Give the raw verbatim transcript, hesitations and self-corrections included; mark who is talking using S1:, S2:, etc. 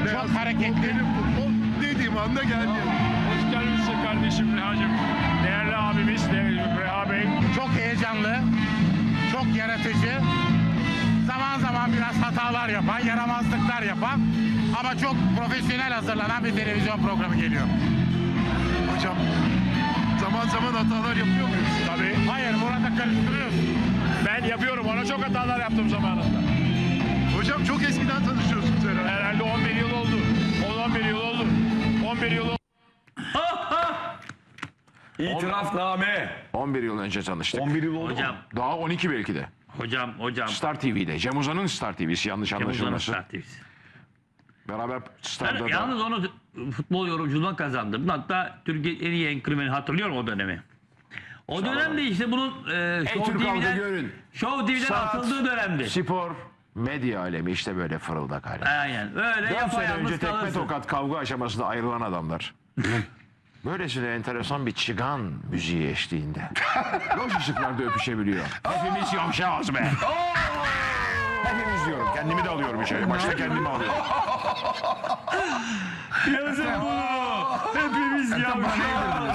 S1: Çok hareketli.
S2: Benim futbol dediğim anda geldi.
S3: Hoş geldiniz kardeşim Reha'cığım. Değerli abimiz değerli Reha Bey.
S1: Çok heyecanlı, çok yaratıcı. Zaman zaman biraz hatalar yapan, yaramazlıklar yapan ama çok profesyonel hazırlanan bir televizyon programı geliyor.
S2: Hocam zaman zaman hatalar yapıyor muyuz?
S3: Tabii.
S1: Hayır, burada karıştırıyoruz.
S3: Ben yapıyorum. Ona çok hatalar yaptım zamanında.
S2: Hocam çok eskiden tanışıyorsunuz herhalde.
S3: Herhalde on bir yıl oldu. on on bir yıl oldu. on bir yıl oldu.
S4: İtirafname.
S5: on bir yıl önce tanıştık.
S4: on bir yıl oldu.
S6: Hocam,
S5: Daha on iki belki de.
S6: hocam, hocam.
S5: Star T V'de. Cem Uzan'ın Star T V'si yanlış
S6: Uzan'ın
S5: anlaşılmasın.
S6: Star T V'si.
S5: Beraber
S6: Ben
S5: Star'da da.
S6: yalnız onu futbol yorumculuğuna kazandım. Hatta Türkiye'nin en iyi enkırmeni hatırlıyorum o dönemi. O dönemde işte bunun e, Show
S5: Türk halkı
S6: TV'den,
S5: görün.
S6: Show TV'den
S5: Saat,
S6: atıldığı dönemdi.
S5: Spor, medya alemi işte böyle fırıldak hali.
S6: Aynen. Öyle
S5: Dört sene
S6: yapayalnız
S5: önce tekme
S6: kalırsın.
S5: tokat kavga aşamasında ayrılan adamlar. Böylesine enteresan bir çıgan müziği eşliğinde. Loş ışıklarda öpüşebiliyor. Hepimiz yavşağız be. Hepimiz diyorum. Kendimi de alıyorum içeri. Başta kendimi alıyorum.
S6: Yazın bunu. Hepimiz yavşağız.